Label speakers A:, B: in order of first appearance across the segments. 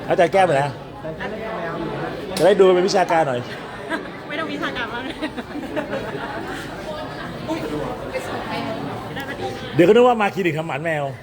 A: อาจารย์แก้วไปนะจะได้ดูเป็นวิชาการหน่อย
B: ไม่ต้องวิชาการมากเลยได้พอดี
A: เดี๋ยวก็นึกว่ามาคลินิกทำหมันแมว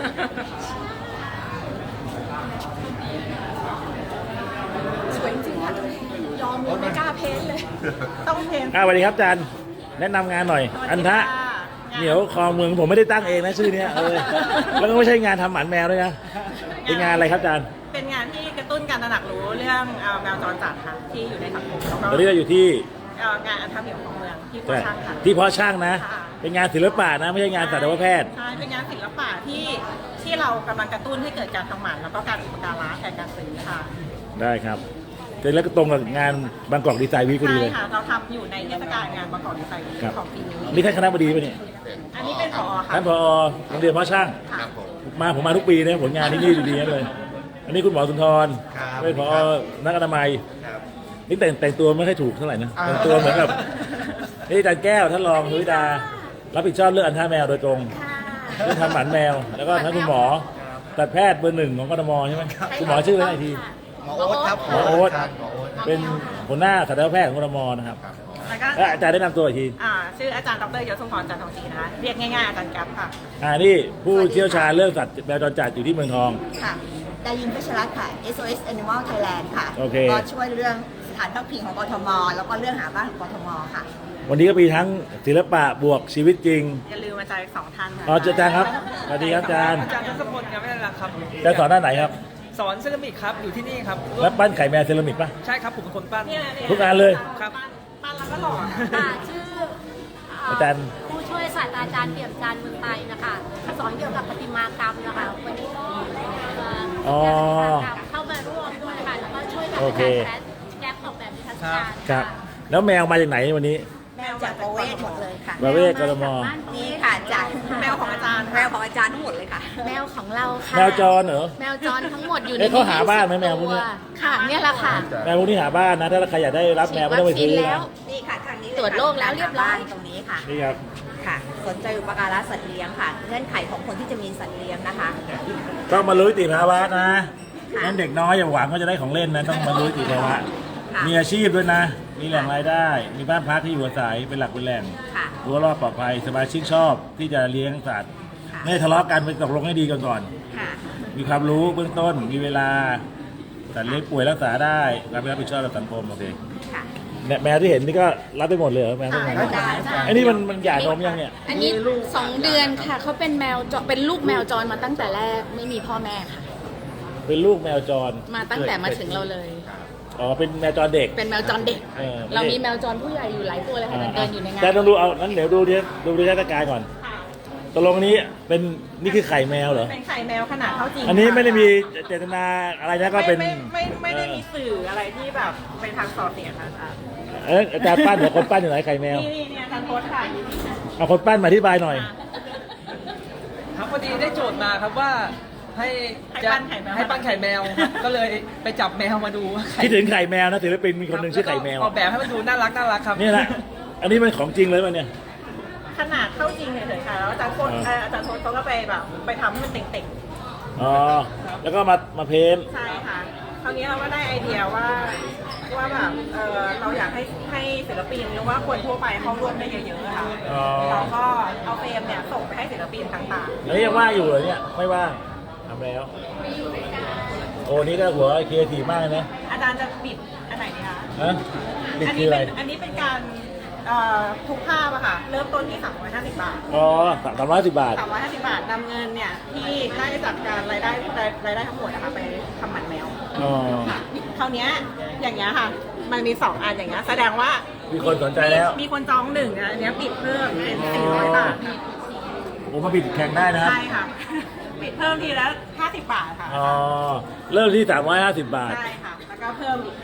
B: สวยจริงค่ะยอมเลยไม่กล้าเพ้นเลย ต้องเพ้น
A: สวัสดีครับอาจารย์แนะนำงานหน่อย อันทะเหนียวคลองเมืองผมไม่ได้ตั้งเองนะชื่อเนี้ยแล้วก็ไม่ใช่งานทำหมันแมวด้วยนะเป็นงานอะไรครับอาจารย์
B: เป็นงานที่กระตุ้นการตระหนักรู้เรื่องแมวจรจัดค่ะที่อยู่ในสังคมแล้วก็
A: ตอนนี้เราอยู่ที่
B: งานอันทำเหนียวของเมืองที่พ่อช่างค่ะ
A: ที่เพาะช่างนะ
B: ค่ะ
A: เป็นงานศิลปะนะไม่ใช่งานสัตวแพทย์
B: ใช่เป็นงานศิลปะที่เรากำลังกระตุ้นให้เกิดการทำหมันแล้วก็การอุปการะแทนการซื้อค่ะ
A: ได้ครับเสร็จแล้วก็ตรงกับงานบางกอกดีไซน์วีคพอดี
B: ใช่
A: เลย
B: ค่ะเราทำอยู่ในเทศกาลงานประกอบดีไซน์
A: ครับ
B: ของปีนี้
A: นี่ท่านคณะบดีป่ะเนี่ย
B: อันนี้เป็นผอค่ะ
A: ท่านผอโรงเรียนเพาะช่าง
B: ค่ะ
A: ผมมาทุกปีนะผลงานที่นี่ดีๆเลย อันนี้คุณหมอสุนทร
C: ครับ
A: เป็นผอนักอนามัย
C: ครับ
A: นี่แต่งตัวไม่ค่อยถูกเท่าไหร่นะแต่งตัวเหมือนกับนี่อาจารย์แก้วท่านรองนุ้ยดารับผิดชอบเรื่องอันท่าแมวโดยตรงเรื่องทำหมันแมว แล้วก็ท่านคุณหมอแต่แพทย์เบอร์ 1ของกทมใช่ไหมคุณหมอชื่ออะไรอีกที
C: หมอโอ๊ตครับ
A: หมอโอ๊ต
C: ครับหมอโอ๊ต
A: เป็นหัวหน้าสัตวแพทย์ของกทมนะครับ
B: แล้วก็
A: แล้วอาจารย์ได้นำตัวอีกที
B: ชื่ออาจารย์ดรยศสมพรจันทองศรีนะคะเรียกง่ายๆอาจารย์แก๊ปค่ะ
A: นี่ผู้เชี่ยวชาญเรื่องสัตว์แมวจรจัดอยู่ที่เมืองทอง
D: ค่ะดายินเพชรรัตน์ค่ะ SOS Animal Thailand ค่ะ
A: โอเค
D: ก็ช่วยเรื่องสถานพักพิงของกทม แล้วก็เรื่องหาบ้านของกทมค่ะ
A: วันนี้ก็มีทั้งศิลปะบวกชีวิตจริง
B: อย่าลืมอาจารย์อีก2 ท่านค่ะ
A: อ๋ออาจารย์ครับสวัสดีครับอาจารย์
E: อาจารย์ทศพลครับไม่ได้ละครับ
A: อาจารย์สอนด้านไหนครับ
E: สอนเซรามิกครับ อยู่ที่นี่ครับ
A: แล้วปั้นไข่แมวเซรามิกป่ะ
E: ใช่ครับ ผมเป็นคนปั้น
B: เนี่ย
A: ทุกงานเลย
E: ครับ
B: ปั้นแล้วก็หล่อ
F: ค่ะชื่อ
A: อาจารย์
F: ผู้ช่วยศาสตราจารย์เปี่ยมจันทร์เมืองไทยนะคะสอนเกี่ยวกับประติมากรรมนะคะวันนี้ก็
A: อ๋อ
F: เข้ามาร่วมด้วยค่ะแล้วก็ช่วยกับ
A: โอ
F: อา
A: เค
F: จารย์แก๊ปออกแบบนิทรรศการ
A: ครับ แล้วแมวมาจากไหนวันนี้
D: แมวจากประเวศหมดเลยค่ะ
A: มาเวศกทม
D: นี่ค่ะจาก
B: แมวของอาจารย์
D: แมวของอาจารย์ทั้งหมดเลยค่ะ
F: แมวของเราค่ะ
A: แมวจรเหรอ
F: แมวจรทั้งหมดอยู่ใน
A: เอ๊ะเขาหาบ้านไหมแมวพวกเนี้ย
F: ค่ะเนี่ยแหละค่ะ
A: แมวพวกนี้หาบ้านนะ ถ้าใครอยากได้รับแมวไม่ต้องไปซื้อ
F: ฉีดวัคซีนแล้
A: นะ
F: ว
D: นี่ค่ะทางนี้เลย
F: ตรวจโรคแล้วเรียบร้อย
D: ตรงนี้ค่ะ
A: นี่ครับ
D: ค่ะ สนใจอุปการะสัตว์เลี้ยงค่ะ เงื่อนไขของคนที่จะมีสัตว์เลี้ยงนะคะ
A: ต้องมารู้นิติภาวะนะงั้นเด็กน้อยอย่าหวังว่าจะได้ของเล่นนะ ต้องมารู้นิติภาวะ
D: ค่ะ
A: มีอาชีพด้วยนะ มีแหล่งรายได้ มีบ้านพักที่อยู่อาศัยเป็นหลักเป็นแหล่ง
D: ค่ะ
A: รั้วรอบปลอดภัยสมาชิกชอบที่จะเลี้ยงสัตว์
D: ค่ะ
A: ไม่ทะเลาะกันไปตกลงให้ดีก่อน
D: ค่ะ
A: มีความรู้เบื้องต้น มีเวลาสัตว์เลี้ยงป่วยรักษาได้รับผิดชอบต่อสังคมโอเค
D: ค่ะ
A: เนี่ยแมวที่เห็นนี่ก็รับไปหมดเลยเหรอแมวทุกอย่าง
D: ได้
A: ไอ้นี่มันหย่านมยังเนี่ย
G: อันนี้2 เดือนค่ะเขาเป็นแมวจรเป็นลูกแมวจรมาตั้งแต่แรกไม่มีพ่อแม่ค่ะ
A: เป็นลูกแมวจร
G: มาตั้งแต่มาถึงเราเลย
A: อ๋อเป็นแมวจรเด็ก
G: เป็นแมวจรเด็ก
A: เออ
G: เรามีแมวจรผู้ใหญ่อยู่หลายตัวเลยค่ะเดินอยู่ในงาน
A: แต่ต้องดูเอานั้นเดี๋ยวดูดิเทศกาลก่อนตกลงนี้เป็นนี่คือไข่แมวเหรอ
B: เป็นไข่แมวขนาดเท่าจริง
A: อันนี้ไม่ได้มีเจตนาอะไรนะก็เป็น
B: ไม่ได้มีสื่ออะไรที่แบบเป็นทางส่อเสียดค่ะอาจารย์
A: อาจารย์ปั้นเหรอคนปั้นอยู่ไหนไข่แมว
B: นี่เนี่ยอาจารย์โพสต์ค่ะ
A: เอาคนปั้นมาอธิบายหน่อย
E: ครับพอดีได้โจทย์มาครับว่าให้ปั้นไข่แมวครับก็เลยไปจับแมวมาดูว่าไข่
A: คิดถึงไข่แมวนะศิลปินมีคนหนึ่งชื่อไข่แมว
E: ออกแบบให้มันดูน่ารักครับ
A: นี่แหละอันนี้มันของจริงเลยป่ะเนี่ย
B: ขนาดเท่าจริงเฉยๆค่ะแล้วอาจารย์โพสต์อาจารย์โพสต์เขาก็ไปแบบไปทำให้มันเต่ง
A: อ๋อแล้วก็มาเพ้นท์
B: ๆใช่ค่ะคราวนี้เราก็ได้ไอเดียว่าแบบเราอยากให้ศิลปินหรือว่าคนทั่วไปเข้าร่วมได้เยอะๆค่ะ
A: อ๋อ
B: เราก็เอาเฟรมเนี่ยส่งไปให้ศิลปินต่างๆ
A: แล้วยังว่างอยู่เหรอเนี่ยไม่ว่างทำแล้วโอ้นี่ก็หัวครีเอทีฟมากเลยนะ
B: อาจารย์จะบิดอันไหนดีคะ
A: ฮะบิดคืออะไร
B: อันนี้เป็นการทุกภาพอะค่ะ เริ่มต้นที่ 350 บาท
A: อ๋อ310 บาท
B: 350 บาทนำเงินเนี่ยที่ได้จากการรายได้ทั้งหมดนะคะไปทำหมันแมว
A: อ๋อ
B: ค่ะคราวเนี้ยอย่างเงี้ยค่ะ มันมี 2 อันอย่างเงี้ยแสดงว่า
A: มีคนสนใจแล้ว
B: มีคนจอง1อันเนี้ยปิดเพิ่มเป็น400 บาท
A: ผมมาบิดแข่งได้นะครับ
B: ใช่ค่ะ ปิดเพิ่มทีละ50 บาทค่ะ
A: อ๋อเริ่มที่350 บาท
B: ใช่ค่ะ แล้วก็เพิ่มอีก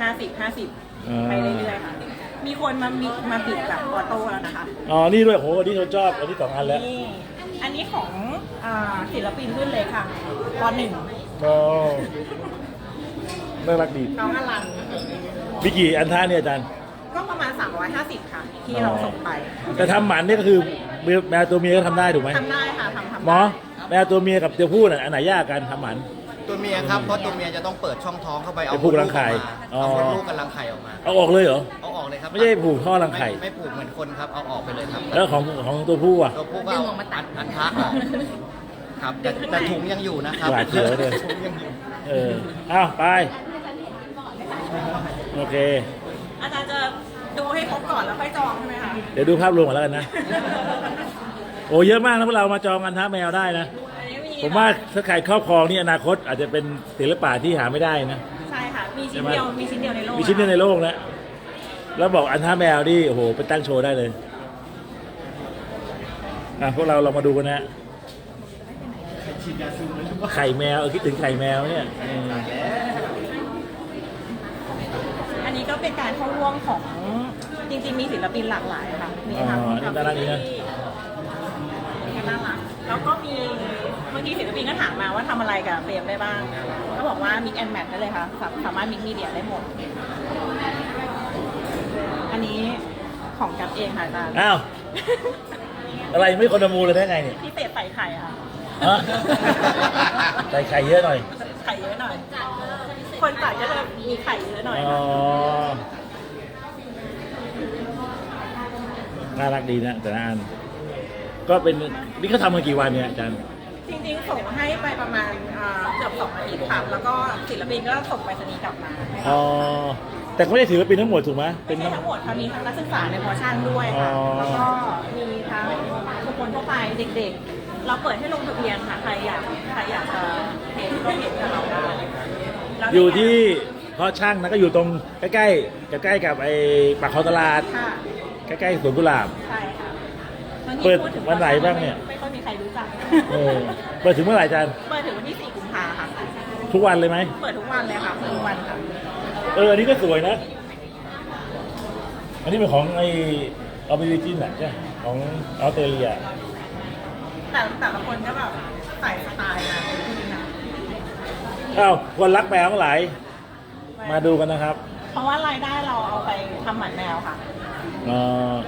B: 50
A: อ่า
B: ไปเรื่อยๆค่ะ มีคนมาบิดแบบออโต้แล้วนะคะ
A: อ๋อนี่ด้วยโหอันนี้ผมชอบอันนี้2 อันแล้ว
B: นี่ อันนี้ของศิลปินรุ่นเล็กค่ะป
A: อ๋อน่ารักดี
B: .1 น้องอลัน
A: มีกี่อันท่าเนี่ยอาจารย์
B: ก็ประมาณ 350 ค่ะ ที่เราส่งไป
A: แต่ทำหมันนี่ก็คือแมวตัวเมียก็ทำได้ถูกไหม
B: ทำได้ค่ะทำ
A: หมอแมวตัวเมียกับตัวผู้น่ะอันไหนยากกันทำหมัน
B: ท
C: ตัวเมียครับ เพราะตัวเมียจะต้องเปิดช่องท้องเข้าไปเอา
A: ไปผูกรังไข่
C: เอามดลูก
A: อ๋อ
C: กับรังไข่ออกมา
A: เอาออกเลยเหรอ
C: เอาออกเลยครับ
A: ไม่ใช่ผูกท่อรังไข่
C: ไม่ผูกเหมือนคนครับ เอาออกไปเลยครับ
A: แล้วของตัวผู้อ่ะ
C: ตัวผู้ก็เอาอันทะออกครับแต่ถุงยังอยู่นะครับ
A: หวาดเสียวเลย
C: ถุงยังอยู่
A: อ้าวไป โอเค
B: อาจารย์จะดูให้ครบก่อนแล้วค่อยจองใช่ไหมคะ
A: เดี๋ยวดูภาพรวมก่อนแล้วกันนะ โอ้เยอะมากนะพวกเรามาจองกันท้าแมวได้นะ
B: อันนี้มี
A: ผมว่าถ้าใครครอบครองนี่อนาคตอาจจะเป็นศิลปะที่หาไม่ได้นะ
B: ใช่ค่ะ มีชิ้นเดียว มีชิ้นเดียวในโลก
A: มีชิ้นเดียวในโลกนะ แล้วบอกอันท้าแมวนี่โอ้โหไปตั้งโชว์ได้เลยพวกเราลองมาดูกันนะ ไข่แมวคิดถึงไข่แมวเนี่ยอืม
B: อันนี้ก็เป็นการเข้าร่วมของจริงๆมีศิลปินหลากหลายค่ะ มีทั้ง
A: นี่น่ารักดีนะ
B: น่ารักแล้วก็มีเมื่อกี้ศิลปินก็ถามมาว่าทำอะไรกับเฟรมได้บ้างก็บอกว่ามิกแอนแมทได้เลยค่ะสามารถมิกมีเดียได้หมด อันนี้ของกับเองค่ะอาจารย์
A: อ้าว อะไรไม่คนละมูเลยได้ไงเนี่ย
B: พิเศษใส่ไข่ค่ะ
A: ฮะใส่ไข่เยอะหน่อย
B: ไข่เยอะหน่อย คนตัดก็จะมีไข่เยอะหน่อย
A: อ๋อ น่ารักดีนะแต่ละอันก็เป็นนี่เขาทำมากี่วันเนี่ยอาจารย์
B: จริงๆส่งให้ไปประมาณเกือบ2 อาทิตย์ค่ะแล้วก็ศิลปินก็ส่งไปรษณีย์กลับมา
A: อ๋อ แต่เขาไม่ได้ถือว่าเป็นทั้งหมดถูกไหม
B: ไม่ใช่ทั้งหมดค่ะมีทั้งนักศึกษาในพอร์ชั่นด้วยค่ะ
A: อ๋อ
B: แล้วก็มีทั้งบุคคลทั่วไปเด็กๆ เราเปิดให้ลงทะเบียนค่ะใครอยากจะเห็นก็เห็นกับเราได้แล้ว
A: อยู่ที่เพราะช่างนะก็อยู่ตรงใกล้ๆใกล้กับไอ้ปากคลองตลาด
B: ค่ะ
A: ใกล้ๆสวนกุหลาบ
B: ใช่ค่ะบางที
A: เปิด
B: พูถึง
A: วันไหนบ้างเนี่ย
B: ไม่ค่อยมีใครรู้จัก
A: เปิดถึงเมื่อไหร่อาจารย์
B: เปิดถึงวันที่4 กุมภาค่ะ
A: ทุกวันเลยไหม
B: เปิดทุกวันเลยค่ะเปิดทุกวันค่ะ
A: อันนี้ก็สวยนะ อันนี้เป็นของไอ้ออบิวิจินใช่ไหมของออสเตรเลีย
B: แต่ละคนก็แบบใส่สไตล์นะ
A: อ้าวคนรักแมวทั้งหลายมาดูกันนะครับ
B: เพราะว่ารายได้เราเอาไปทำหมันแมวค่ะ
A: อ๋อ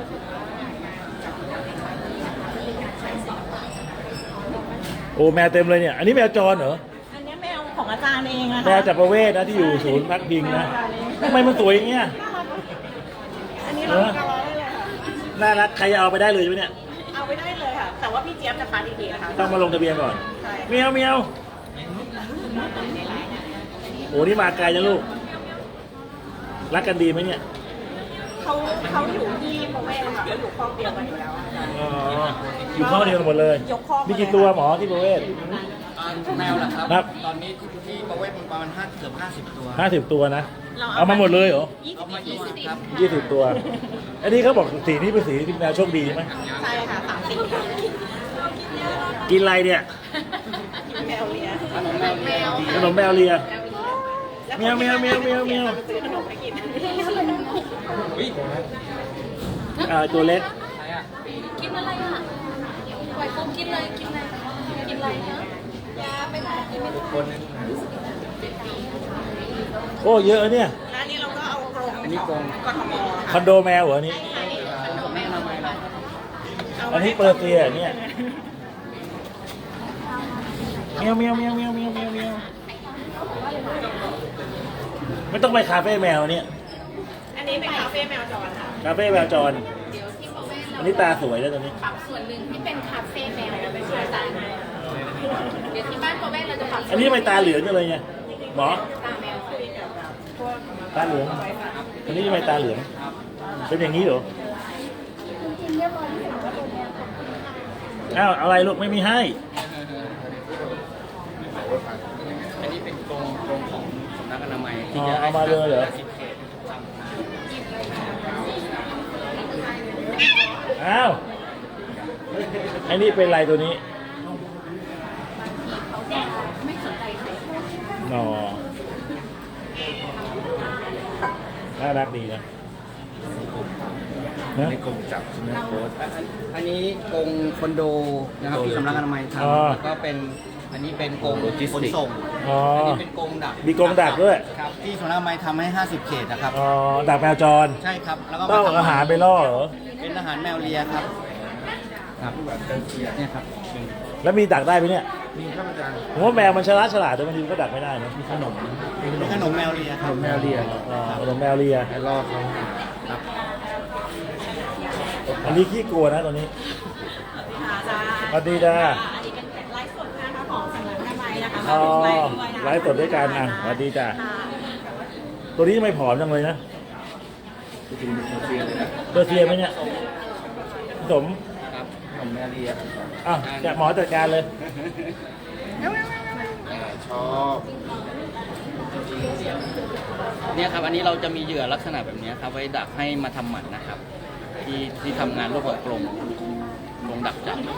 A: โอ้แมวเต็มเลยเนี่ย อันนี้แมวจรเหรอ
B: อันนี้แมวของอาจารย์เองนะคะ
A: แมวจากประเวศนะที่อยู่ศูนย์พักพิงนะทำไมมันสวยอย่างเงี้ย
B: อันนี้เราเอาได้เลยค่ะ
A: น่ารักใครเอาไปได้เลยใช่ไหมเนี่ย
B: เอาไปได้เลยค่ะ แต่ว่าพี่เจี๊ยบจะคัดอีกทีนะคะ
A: ต้องมาลงทะเบียนก่อน
B: ใช่
A: เมียวเมียวโอ้นี่มาไกลนะลูก รักกันดีไหมเนี่ย
B: เขาอยู่ที่ประเวศค่ะเขาอยู่ครอบเดียวกันอยู่แล้วอาจารย์
A: อ๋อ อยู่ข้อเดียวกันหมดเลย
B: ยกครอบ
A: มีกี่ตัวหมอที่ประเวศ
C: แมวเหรอครับ
A: ครับ
C: ตอนนี้ที่ประเวศมันประมาณเกือบ50 ตัว
A: 50 ตัวนะ เอามาหมดเลยเหรอ
C: เอามา20ครับ
A: 20 ตัว อันนี้เขาบอกสีนี้เป็นสีที่แมวโชคดีใช่ไหม
B: ใช่ค่ะ30ค่ะ
A: กินอะไรเนี่ย
B: แมวเลีย
A: ขนมแมวเลีย แมวแมวแมวแมวแมว
B: ซื้อขนมไปกิน
A: ตัวเล็ก
F: กินอะไรอ่ะปล่อยปุ๊บกินเลย กินอะไร กินอะไรเนาะยาไปไหนกินไม่ได้
A: โอ้เยอะเนี่ย
B: แล้วอันนี้เราก็เอากรง
C: อันนี้กรง
B: กทม
A: คอนโดแมวเหรออันนี้ อันนี้เปอร์เซียเนี่ยเมียวเมียวเมียวเมียวเมียวเมียวเมียวไม่ต้องไปคาเฟ่แมวเนี่ย
B: อันนี้เป็นคาเฟ่แมวจรค่ะ
A: คาเฟ่แมวจร อันนี้ตาสวยแล้วตอนนี้
F: ปรับส่วนหนึ่งที่เป็นคาเฟ่แมวแล้วไปขายตาให้เดี๋ยวที่บ้านโปรแม่เราจะปรับ
A: อันนี้ทำไมตาเหลืองจังเลยเนี่ยหมอ
F: ตาแมว
A: ตาเหลือง อันนี้ทำไมตาเหลือง เป็นอย่างนี้เหรออ้าวอะไรลูกไม่มีให้
C: อันนี้เป็นกรงของสำนักอนามัย
A: อ๋อเอามาเลยเหรอ
C: 10 เขต
A: อ้าวไอ้นี่เป็นไรตัวนี้หนอน่ารักดีนะ
C: ในกรงจับใช่ไหมโค้ชอันนี้กรงคอนโดนะครับที่สำนักอนามัยทำ
A: อ๋อ
C: แล้วก็เป็นอันนี้เป็นกรงขนส่ง
A: อ๋อ
C: อันนี้เป็นกรงดัก
A: มีกรงดักด้วย
C: ครับที่สำนักอนามัยทำให้ 50 เขตนะครับ
A: อ๋อดักแมวจร
C: ใช่ครับ แล้วก็
A: ต้องเอาอาหารไปล่อเหรอ
C: เป็นอาหารแมวเลียครับ ครับเนี่ยครับ
A: แล้วมีดักได้ไหมเนี่ย
C: มีครับอาจารย์
A: ผมว่าแมวมันฉลาดแต่บางทีมันก็ดักไม่ได้นะ
C: มีขนมแมวเลียครับขนมแมวเลีย
A: ขนมแมวเลีย
C: ให้ล่อเขาครับ
A: อันนี้ขี้กลัวนะตัวนี้
B: ค่ะอาจารย์
A: สวัสดีจ้า
B: อันนี้เป็นไลฟ์สดนะคะของสำนักอนามัยนะคะ
A: อ๋อ
B: มาถึงไลฟ์ด้วยนะคะ
A: ไลฟ์สดด้วยกันอ่ะสวัสดีจ้า
B: ค่ะ
A: ตัวนี้ทำไมผอมจังเลยนะเบอร์เซียไหมเนี่ยสม
C: ครับขนมแมวเลีย
A: อ่ะจะหมอจัดการเลย
C: ชอบเนี่ยครับอันนี้เราจะมีเหยื่อลักษณะแบบนี้ครับไว้ดักให้มาทำหมันนะครับ ที่ทำงานร่วมกับกรมดักจับ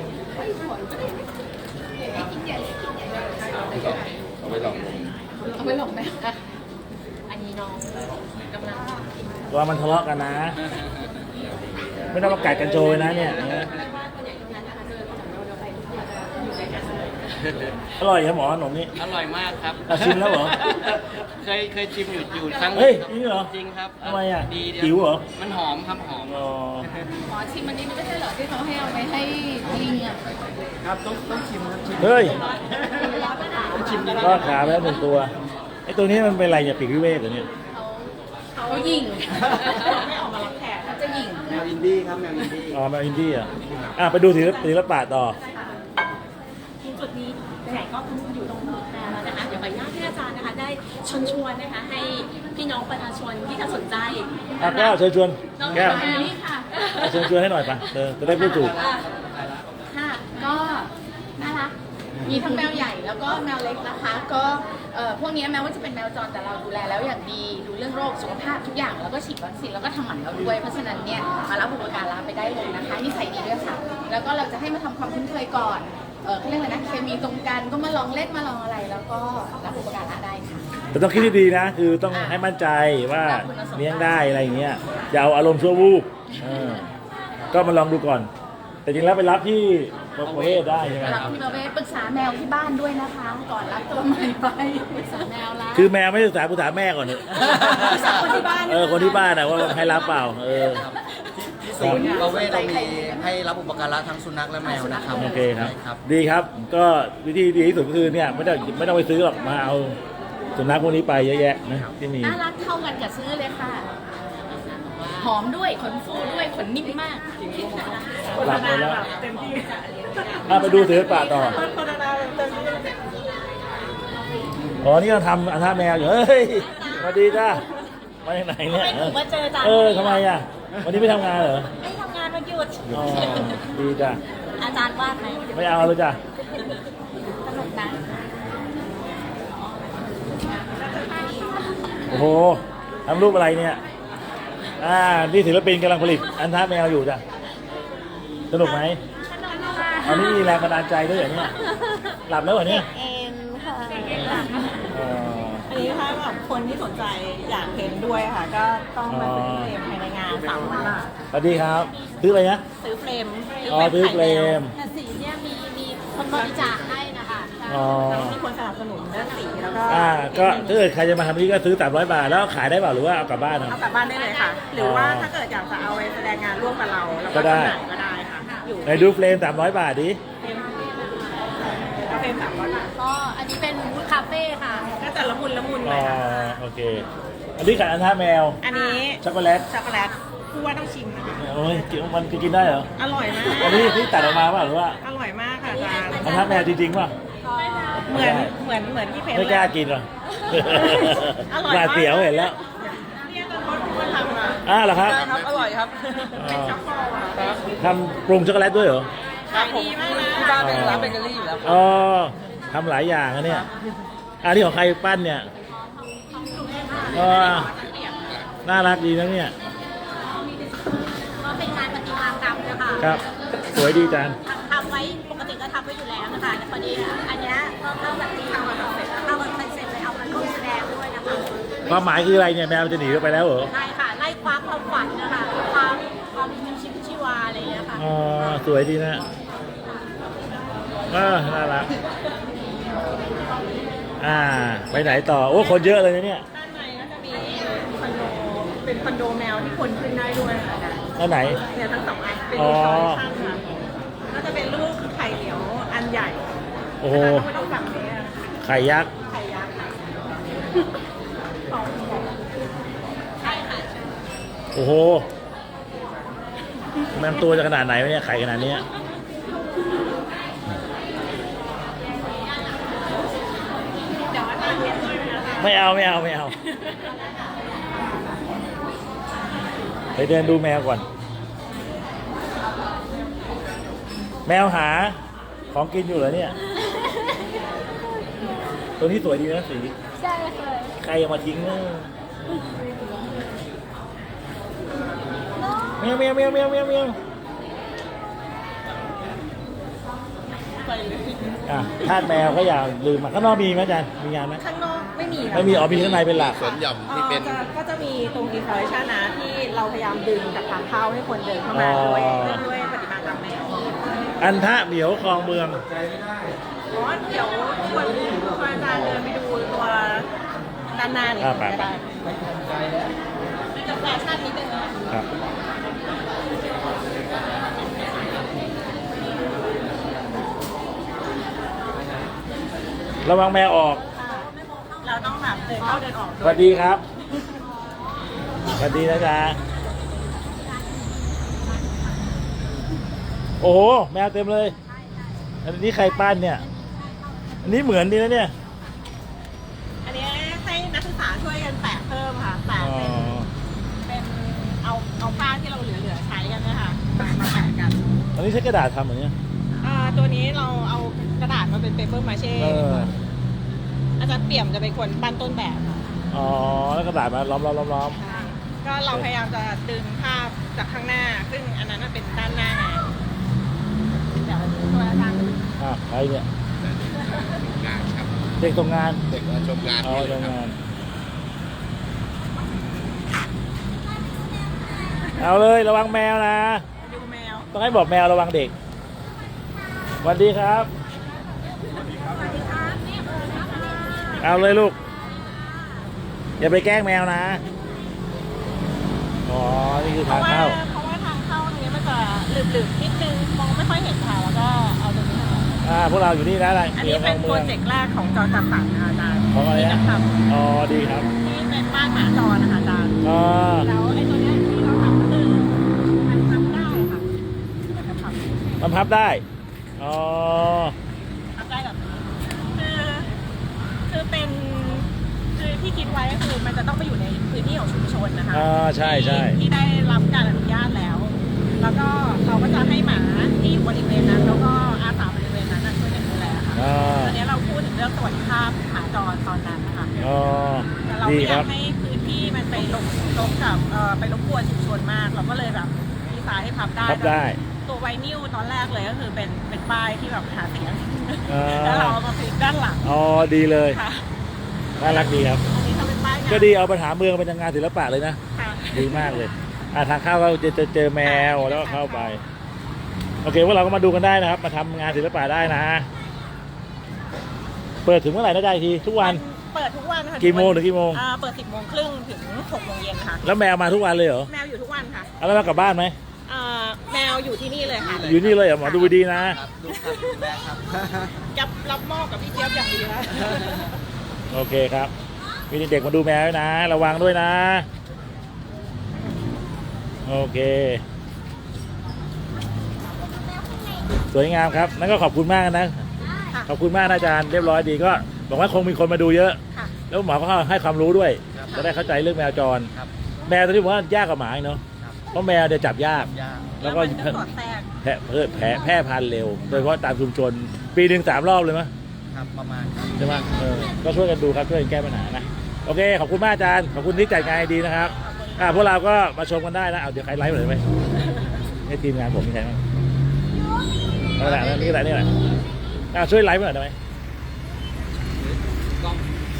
C: เอาไปลอง
G: เอาไว้หลงแม่
F: อันนี้น้องกำลัง
A: ว่ามันทะเลาะกันนะ ไม่ต้องมากัดกันโจยนะเนี่ยอร่อยครับหมอขนมนี้
C: อร่อยมากครับ
A: ชิมแล้วเหรอ
C: เคยชิมอยู่ครั้งห
A: เฮ้
C: นึ่
A: ย
C: งครับ
A: จริงเหรอ
C: จริงครับ
A: ทำไมอ่ะ
C: ดี
A: หิวเหรอ
C: มันหอมครับหอม
A: อ๋อ
G: หมอชิมอันนี้ไม่ใช่เหรอที่เขาให้เอาไปให้ลิงอ่ะ
C: ครับต้องชิมครับชิม
A: เฮ้ย
C: ชิมดี
A: ก็ขาไปแล้วหนึ่งตัวไอ้ตัวนี้มันเป็นอะไรเนี่ยปีกวิเวกเหรอเนี่ย
G: เขาหยิ่ง
B: ไม่ออกมารับแขก
G: เขาจะหยิ่ง
C: แมวอินดี้ครับแมวอินดี้
A: อ๋อมาอินดี้อ่ะไปดูศิลปะต่อ
F: จุดนี้ไหนๆก็อยู่ตรงนี้แล้วนะคะ เดี๋ยวขออนุญาตให้อาจารย์นะคะ ได้ชวนนะคะ ให้พี่น้องประชาชนที่จะสนใจ
A: แก้วเชิญชวน
F: น้อง
A: แก้ว
F: มานี่ค่ะ
A: เชิญชวนให้หน่อยปะจะได้พูดถูก
G: ค่ะก็น่ารัก มีทั้งแมวใหญ่แล้วก็แมวเล็กนะคะ ก็พวกนี้แม้ว่าจะเป็นแมวจรแต่เราดูแลแล้วอย่างดี ดูเรื่องโรคสุขภาพทุกอย่าง แล้วก็ฉีดวัคซีนแล้วก็ทำหมันเราด้วย เพราะฉะนั้นเนี่ยมารับอุปการะไปได้เลยนะคะนิสัยดีด้วยค่ะ แล้วก็เราจะให้มาทำความคุ้นเคยก่อนเขาเรียกอะไรนะ เคมีตรงกันก็มาลองเล่นมาลองอะไร แล้วก็รับอุปการะได้ค่ะ
A: แต่ต้องคิดดีๆนะ คือต้องให้มั่นใจว่าเลี้ยงได้อะไรอย่างเงี้ยอย่าเอาอารมณ์ชั่ววูบก็มาลองดูก่อน แต่จริงแล้วไปรับที่ประเทศได้ใช่ไหม
G: รับที่ประเวศปรึกษาแมวที่บ้านด้วยนะคะ ก่อนรับตัวใหม่ไปปรึกษาแมวละ
A: คือแมวไม่ศึกษาปรึกษาแม่ก่อนเถอะ
G: ปรึกษาคนที่บ้าน
A: คนที่บ้านนะว่าให้รับเปล่า
C: ที่ศูนย์ประเวศเรามีให้รับอุปการะทั้งสุนัขและแมวนะครับ
A: โอเคครับ
C: ใช่ครับ
A: ดีครับ ก็วิธีดีที่สุดก็คือเนี่ยไม่ต้องไปซื้อหรอกมาเอาสุนัขพวกนี้ไปเยอะแยะนะที่มี
G: น่ารักเท่ากันกับซื้อเลยค่ะ หอมด้วยขนฟูด้วยขนนิ่มมาก
A: หลับไปแล้ว
B: เต็มที่
A: ไปดูศิลปะต่อ
B: โฆษณาเต็มที่
A: อ๋อ นี่เราทำอันท่าแมวอยู่ เฮ้ยสวัสดีจ้ามาจากไหนเนี่ย
F: ไม่ถูกมาเจออาจารย์
A: ทำไมอ่ะ วันนี้ไม่ทำงานเหรอ
F: ไม่ทำงานวันหยุด
A: อ๋อ ดีจ้ะ
F: อาจารย์วาดไหม
A: ไม่เอาเลยจ้ะ
F: สนุกนะ
A: โอ้โหทำรูปอะไรเนี่ย นี่ศิลปินกำลังผลิตอันท่าแมวอยู่จ้ะ สนุกไหมอันนี้มีแรงบันดาลใจด้วยเหรอเนี่ย หลับแล้วเหรอเนี่ย
F: เอ็มค่ะ
A: อ๋อ
B: อันนี้ถ้าแบบคนที่สนใจอยากเห็นด้วยค่ะ ก็ต้องมาซื้อเฟรมภายในงาน3 วัน
A: สวัสดีครับ ซื้ออะไรนะ
B: ซื้อเฟรม
A: ซื้อเฟรม
F: แต่สีเนี่ยมีคนบริจาคให้นะคะใช่
A: อ๋อ
B: มีคนสนับสนุนเรื่องสีแล้วก็
A: ก็ถ้าเกิดใครจะมาทำนี่ก็ซื้อ300 บาท แล้วขายได้เปล่าหรือว่าเอากลับบ้านเอา
B: เอากลับบ้านได้เลยค่ะ หรือว่าถ้าเกิดอยากจะเอาไปแสดงงานร่วมกับเราแล้วก็
A: ก็ได้
B: จำหน่ายก็ได้ค่ะ อยู่
A: ไหนดูเฟรม300 บาทดิ
B: เฟรม300 บาท
F: ก็อันนี้เป็นวูดคาเฟ่ค่ะ
B: ก็จะละมุนห
A: อ๋
B: น่
A: อ
B: อยค่ะ
A: โอเค อันนี้ขายอันท่าแมว
B: อันนี้
A: ช็อกโกแลต
B: ช็อกโกแลตผู้ว่าต้องชิมนะคะ
A: โอ้ยมันกินได้เหรอ
B: อร่อยมาก
A: อันนี้ที่ตัดออกมาเปล่าหรือว่า
B: อร่อยมากค่ะอาจารย์
A: อันท่าแมวจริงๆป่ะ
B: เหมือนที่เพจ
A: ไม่กล้ากินหรอ
B: อร่อย
A: ห
B: มาก
A: น้าเสียวเห็นแล้ว
B: เนี่ยตอนเขาทำอ่ะ
A: เหรอครับ
E: ครับ อร่อยครับ
B: เป็นช็อกโกแลต
A: ทำปรุงช็อกโกแลตด้วยเหรอ
B: ขายดีมากนะ
E: ที่บ้านเป็นร้านเบเกอรี่อยู่แล้วครับ
A: อ๋อทำหลายอย่างนะเนี่ยอันนี้ของใครปั้นเนี่ยอ๋อน่ารักดีนะเนี่ย
F: ก็เป็นงานประติมากรรมนะคะ
A: ครับ สวยดีจัง
F: ทำไว้ปกติก็ทำไว้อยู่แล้วนะคะแต่พอดีอันเนี้ยก็เข้าแบบที่ทำมาเสร็จเข้ามาคอนเซ็ปต์เลยเอามาร่วมแสดงด้วยนะคะ
A: ความหมายคืออะไรเนี่ยแมวมันจะหนีไปแล้วเหรอ
F: ใช่ค่ะไล่คว้าความฝันนะคะความมีชีวิตชีวาอะไรอย่างเงี้ยค่ะ
A: อ๋อ สวยดีนะน่ารัก ไปไหนต่อ โอ้ คนเยอะเลยนะเนี่ย
B: ด้านในก็จะมีคอนโดเป็นคอนโดแมวที่คนขึ้นได้ด้วยค่ะ
A: แล้วไหน
B: เนี่ยทั้ง2 อันเป็น
A: อ๋อ
B: รูปจอยข้างค่ะก็จะเป็นรูปไข่เหลียวอันใหญ่
A: โอ้โห
B: ไม่ต้องสั่งเลยอะ
A: ไข่ยักษ์
B: ไข่ยักษ์ค่ะ
F: ใช่ค่ะ
A: โอ้โหมันตัวจะขนาดไหนวะเนี่ยไข่ขนาดเนี้ย
B: เดี๋ยวอาจารย์เรียนด้วยนะคะ
A: ไม่เอาไม่เอาไม่เอาไปเดินดูแมวก่อน แมวหาของกินอยู่เหรอเนี่ย ตัวนี้สวยดีนะสี
G: ใช่ค่ะ
A: ใครเอามาทิ้งเนี่ยแมวแมวแมวแมวแมวแมว
B: ไปเลย
A: อ่ะทาสแมวก็อย่าลืมมาข้างนอกมีไหมอาจารย์มีงานไหม
B: ข้างนอกไม่มีค่ะ
A: ไม่มีอ๋อมีข้างในเป็นหลัก
H: สวนหย่อมที่เป็น
B: ก็จะมีตรงอินสตาเลชันนะที่เราพยายามดึงจากทางเข้าให้คนเดินเข้ามาด้วยปฏิบัติตามแนว
A: อันทะเหมียวคลองเมือง
B: อ๋อเดี๋ยวชวนอาจารย์เดินไปดูตัวด้านหน้านี่
A: ไป
B: ก็ได้จะแฟชั่นนิดนึงนะคะ
A: ครับ ระวังแมวออก
B: เราต้องแบบเดินเข้าเดินออก
A: ส
B: ด้ว
A: วั
B: ย
A: สดีครับ สวัสดีนะจ๊ะ โอ้โห แมวเต็มเลย อันนี้ใครปั้นเนี่ย อันนี้เหมือนดีนะเนี่ย
B: อันนี้ให้นักศึกษาช่วยกันแปะเพิ่มค่ะแปะ
A: อ๋อ
B: เป็นเอาผ้าที่เราเหลือๆใช้กันเนี่ยค่ะมาแปะกัน
A: อันนี้ใช้กระดาษทำเหรอเนี่ย
B: ตัวนี้เราเอากระดาษมาเป็นเปเปอร์มาเช่
A: เออ
B: อาจารย์เปี่ยมจะเป็นคนปั้นต้นแบบค่ะ
A: อ๋อ แล้วกระดาษมาล้อม
B: ใช่ก็เราพยายามจะดึงภาพจากข้างหน้า ซึ่งอันนั้นเป็นด้านหน้าไงเดี๋ยวตัวอาจารย์
A: อ่ะใครเนี่ย
H: งานครับ
A: เด็กตรงงาน
H: เด็กมาชมงาน
A: อ๋อ
H: นี่
A: ตรง
H: ครับ
A: งาน เอาเลยระวังแมวนะ
B: ดูแมว
A: ต้องให้บอกแมวระวังเด็กสวัสดีครับ เอาเลยลูก อย่าไปแกล้งแมวนะ อ๋อ นี่คือ
B: เพ
A: ทาง
B: ราะว่า
A: เข้า
B: ทางเข้าตรงนี้มันจะหลืบๆนิดนึงมองไม่ค่อยเห็นค่ะแล้วก็เอาตรงนี้ค่ะ
A: พวกเราอยู่นี่นะอะไร
B: อันนี้เป็นโปรเจกต์แรกของจอจัดสรรนะคะอาจารย์
A: ของอะไร
B: ที่
A: นะ
B: จะทำ
A: อ๋อ ดีครับ
B: ที่เป็นบ้านหมาจรนะคะอาจารย์
A: อ๋อ
B: แล้วไอ้ตัวเนี้ยที่เราทำก็คือมันทำได้ค่ะมันจะทำ
A: มันพับได้ อ๋อ
B: ทำได้แบบนี้คือเป็นคือที่คิดไว้ก็คือมันจะต้องไปอยู่ในพื้นที่ของชุมชนนะคะ
A: ใช่ใช่
B: ที่ได้รับการอนุญาตแล้ว แล้วก็เราก็จะให้หมาที่อยู่บริเวณนั้น แล้วก็อาสาบริเวณนั้นนะช่วยกันดูแลค่ะ
A: อ๋อ
B: ตอนนี้เราพูดถึงเรื่องสวัสดิภาพหมาจรตอนนั้นนะคะ
A: อ๋อ
B: แต่เรา
A: ดี
B: ไม่อ
A: ค
B: ยา
A: รั
B: ก
A: บ
B: ให้พื้นที่มันไปลบกับไปรบกวนชุมชนมาก เราก็เลยแบบดีไซน์ให้พับได้
A: พับได้
B: ตัวไวนิลตอนแรกเลยก็คือเป็นป้ายที่แบบหาเสียง
A: อ่า
B: แล้วเราเอามาพลิกด้านหลัง
A: อ๋อ ดีเลย
B: ค่ะ
A: น่ารักดีครับ
B: อันนี้ทำเป็นป้ายงาน
A: ก็ดีเอาปัญหาเมืองเป็นงานศิลปะเลยนะ
B: ค่ะ
A: ดีมากเลย ทางเข้าก็จะเจอแมวแล้วก็เข้าไป โอเคพวกเราก็มาดูกันได้นะครับ มาทำงานศิลปะได้นะ เปิดถึงเมื่อไหร่นะได้ทีทุกวัน
B: เปิดทุกวันค่ะ
A: กี่โมงถึงกี่โมง
B: เปิด 10 โมงครึ่งถึง 6 โมงเย็นค่ะ
A: แล้วแมวมาทุกวันเลยเหรอ
B: แมวอยู่ทุกวันค่ะ
A: เอาแล้วมากลับบ้านไหม
B: แมวอยู่ที่นี่เลยค่ะ
A: อยู่นี่เลยเหรอหมอดูดีนะ
C: ครับลูกครับคุณแม่ครับ
B: จะรับมอบกับพี่เจี๊ยบอย่างดีนะ
A: โอเคครับ มีเด็กๆมาดูแมวด้วยนะ ระวังด้วยนะ โอเค สวยงามครับ นั่นก็ขอบคุณมากนะ
B: ค่ะ
A: ขอบคุณมากนะอาจารย์ เรียบร้อยดีก็บอกว่าคงมีคนมาดูเยอะ
B: ค่ะ
A: แล้วหมอก็ให้ความรู้ด้วย
C: ครับ
A: จะได้เข้าใจเรื่องแมวจร
C: ครับ
A: แมวตัวนี้ผมว่ายากกว่าหมาอีกเนาะ
C: ครับ
A: เพราะแมวเนี่ยจับยาก
C: ยาก
A: แล้วก็
B: มันสอดแทรก
A: แพร่พันธุ์เร็ว โดยเฉพาะตามชุมชน ปีหนึ่ง3 รอบเลยมั้ย
C: ครับประมาณครับ
A: ใช่ไหมก็ช่วยกันดูครับช่วยกันแก้ปัญหานะ โอเค ขอบคุณมากอาจารย์ ขอบคุณที่จัดงานดีนะครับ พวกเราก็มาชมกันได้นะ เอาเดี๋ยวใครไลฟ์มาเลยไหมให้ทีมงานผมมีใครบ้างนี่แหละนี่แหละนี่แหละช่วยไลฟ์มาหน่อยได้ไหม
C: กล้อง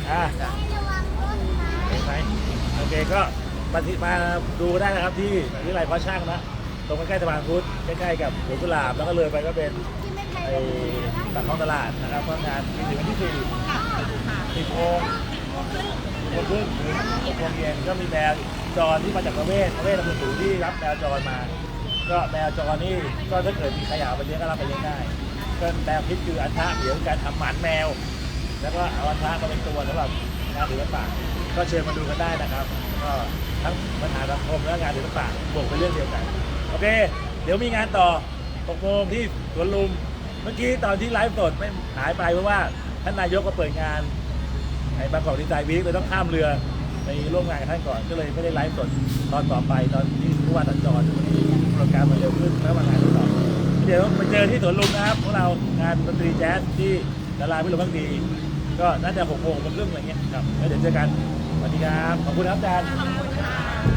A: เห็นไหมโอเคก็มาดูได้นะครับที่วิทยาลัยเพาะช่างนะ ตรงใกล้ๆสะพานพุทธใกล้ๆกับสวนกุหลาบแล้วก็เลยไปก็เป็นไอ้ปากคลองตลาดนะครับเพราะงานมีถึงวันที่10 โมงครึ่งถึง6 โมงเย็นก็มีแมวจรที่มาจากประเวศอำเภอสูงที่รับแมวจรมา ก็แมวจรนี่ก็ถ้าเกิดมีใครอยากเอาไปเลี้ยงก็รับไปเลี้ยงได้ก็แนวคิดคืออันทะเดี๋ยวการทำหมันแมว แล้วก็เอาอันทะมาเป็นตัวสำหรับงานศิลปะก็เชิญมาดูกันได้นะครับ ก็ทั้งปัญหาสังคมและงานศิลปะบวกเป็นเรื่องเดียวกันโอเค เดี๋ยวมีงานต่อ6 โมงที่สวนลุมเมื่อกี้ตอนที่ไลฟ์สดไม่หายไปเพราะว่าท่านนายกก็เปิดงานไอ้บางกอกดีไซน์วีคเลยต้องข้ามเรือไปร่วมงานกับท่านก่อนก็เลยไม่ได้ไลฟ์สดตอนต่อไปตอนที่ผู้ว่าสัญจรที่โปรแกรมมันเร็วขึ้นแล้วมางานต่อเดี๋ยวไปเจอที่สวนลุมนะครับพวกเรางานดนตรีแจ๊สที่ดาราพิรมพักดีก็น่าจะ6 โมงครึ่งอะไรเงี้ยครับแล้วเดี๋ยวเจอกันสวัสดีครับขอบคุณครับอาจารย์